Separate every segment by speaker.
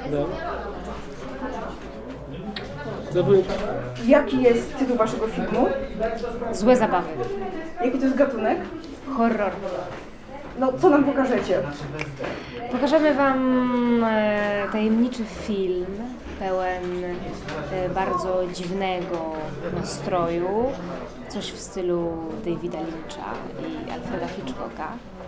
Speaker 1: No. To był...
Speaker 2: Jaki jest tytuł waszego filmu?
Speaker 3: Złe zabawy.
Speaker 2: Jaki to jest gatunek?
Speaker 3: Horror.
Speaker 2: No, co nam pokażecie?
Speaker 3: Pokażemy Wam tajemniczy film pełen bardzo dziwnego nastroju. Coś w stylu Davida Lyncha i Alfreda Hitchcocka.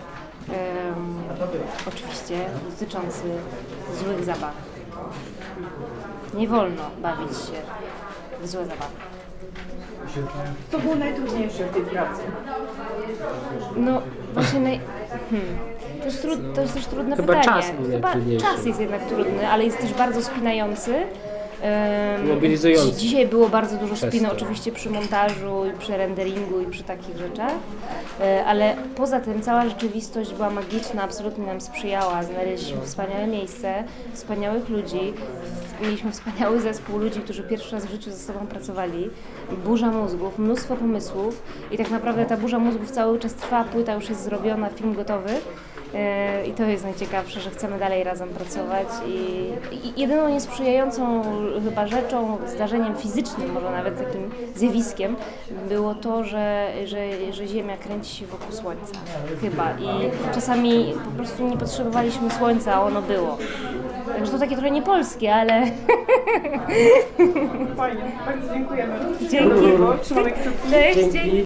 Speaker 3: Oczywiście dotyczący złych zabaw. Nie wolno bawić się w złe zabawy.
Speaker 2: Co było najtrudniejsze w tej pracy?
Speaker 3: No właśnie to jest też trudne
Speaker 1: Chyba
Speaker 3: pytanie.
Speaker 1: czas był najtrudniejszy.
Speaker 3: Czas jest jednak trudny, ale jest też bardzo spinający.
Speaker 1: Mobilizujący.
Speaker 3: Dzisiaj było bardzo dużo
Speaker 1: Przez
Speaker 3: spiny,
Speaker 1: to.
Speaker 3: oczywiście przy montażu i przy renderingu i przy takich rzeczach, ale poza tym cała rzeczywistość była magiczna, absolutnie nam sprzyjała. Znaleźliśmy wspaniałe miejsce, wspaniałych ludzi, mieliśmy wspaniały zespół ludzi, którzy pierwszy raz w życiu ze sobą pracowali. Burza mózgów, mnóstwo pomysłów i tak naprawdę ta burza mózgów cały czas trwa, płyta już jest zrobiona, film gotowy. I to jest najciekawsze, że chcemy dalej razem pracować i jedyną niesprzyjającą chyba rzeczą, zdarzeniem fizycznym, może nawet takim zjawiskiem, było to, że Ziemia kręci się wokół Słońca. Chyba. I czasami po prostu nie potrzebowaliśmy Słońca, a ono było. Także to takie trochę niepolskie, ale...
Speaker 2: Fajnie, bardzo dziękujemy.
Speaker 3: Dzięki.
Speaker 2: Trzymamy kciuki.
Speaker 3: Cześć,
Speaker 1: Dzięki.
Speaker 3: dzięki.